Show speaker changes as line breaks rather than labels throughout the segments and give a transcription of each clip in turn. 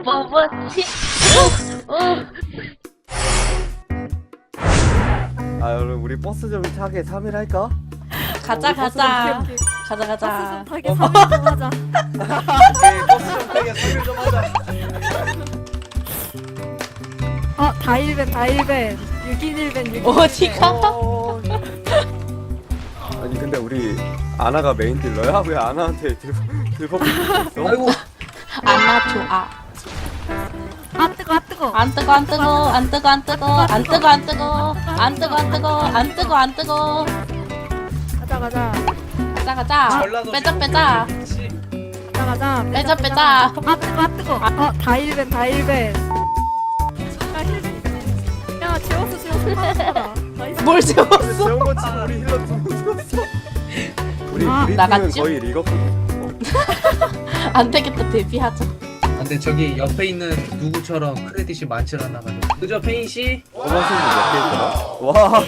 뭐지?
아 여러분 우리 버스 좀 타게 3일 할까?
가자 가자 가자 가자.
타게 3일 좀 하자.
오케이 버스 좀 타게 3일 좀 하자.
다일벤 6인 1벤 6인
어디가?
아니 근데 우리 아나가 메인 딜러야? 왜 아나한테 들법 있어?
아이고
안나 좋아.
아 뜨거
안 뜨거 안 뜨거 안 뜨거 안 뜨거 안 뜨거 안 뜨거 안 뜨거 안 뜨거 안 뜨거 안 뜨거.
가자
가자 가자.
전라도
빼자 빼자 빼자.
아 뜨거 다일벤 야 재웠어 나이스.
뭘 재웠어?
세운 거 치고 우리 힐러 두명 죽었어. 우리 팀은
나갔지?
거의 리거거든.
안 되겠다 데뷔하자.
근데 저기 옆에 있는 누구처럼 크레딧이 많지 않아 가지고 그죠 페인씨?
도마신이 몇개 있더라? 와.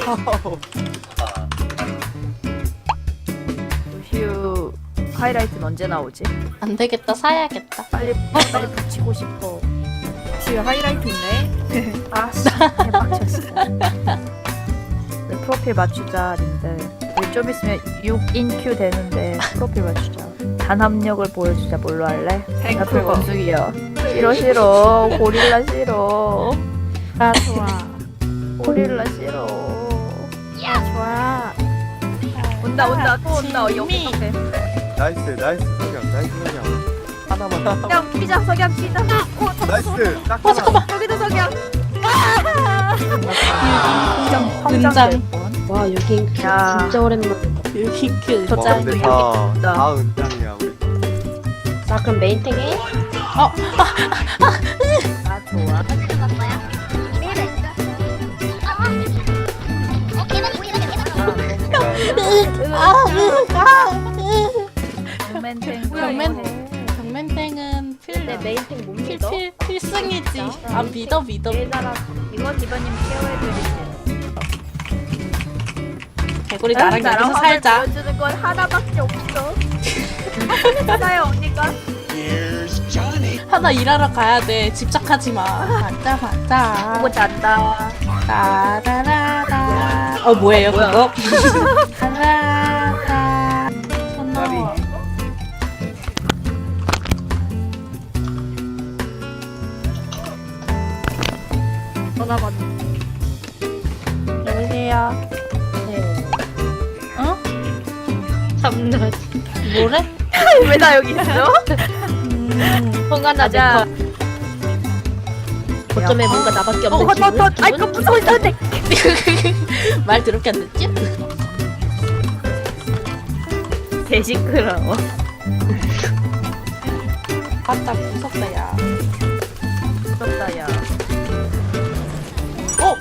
휴 하이라이트는 언제 나오지?
안 되겠다 사야겠다.
빨리 붙이고 싶어.
지금 하이라이트 있네.
아씨 개빡쳤어. 우리 프로필 맞추자 님들. 우리 좀 있으면 6인 큐 되는데 프로필 맞추자. 단합력을 보여주자. 뭘로 할래? 프로필 원숭이요. 싫어 고릴라 싫어.
아 좋아.
고릴라 싫어.
좋아.
온다 또 온다. 여기
미.
앞에.
나이스 석양. 하나만.
석양 피자 석양 피자.
나이스. 딱
어 잠깐만.
여기도 석양.
은장.
와 여기
야.
진짜 오랜만.
핑크
저
와
짠.
근데
짱.
다 은장이야 우리.
나 그럼 메인탱 해?
아 좋아. 경맨탱.
경맨탱은
내 메인탱 못 믿어?
필승이지. 아 믿어.
얘들아 이거 디바님 케어해드릴게요.
개구리 나랑 여기서
화면
살자.
보여주는 건 하나밖에 없어. 하나요 언니가?
하나 일하러 가야 돼. 집착하지 마. 맞자.
보고 잔다.
따라라라. 뭐예요 그거? 따라라. 손너.
전화 받.
여보세요.
네.
어?
참나.
뭐래?
왜 나 여기 있어?
혼간하자. 어쩌면 뭔가 나밖에 없는 기분?
아이 그 무서워 있었는데.
말 더럽게 안 듣지?
개 시끄러워.
맞다 무섭다 야.
무섭다 야.
어?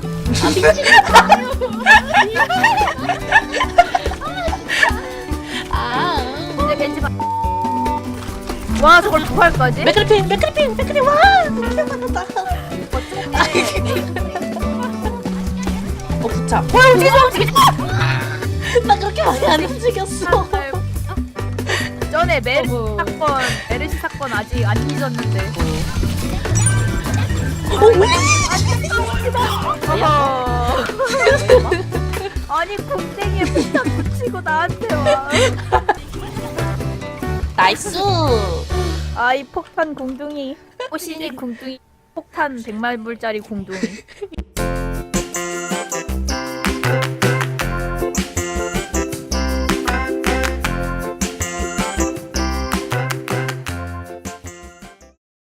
이제 겐지 봐. 와 저걸 부활까지?
맥크리핑 와 너무 많았다. 부차. 나 그렇게 많이 안 움직였어.
전에 메르시
어구.
사건 메르시 사건 아직 안 잊었는데. 어허. 아니 곰탱이에 폭탄 붙이고 나한테 와.
나이스.
아이 폭탄 공둥이. 호신이 공둥이. 폭탄 100만불짜리 공둥이.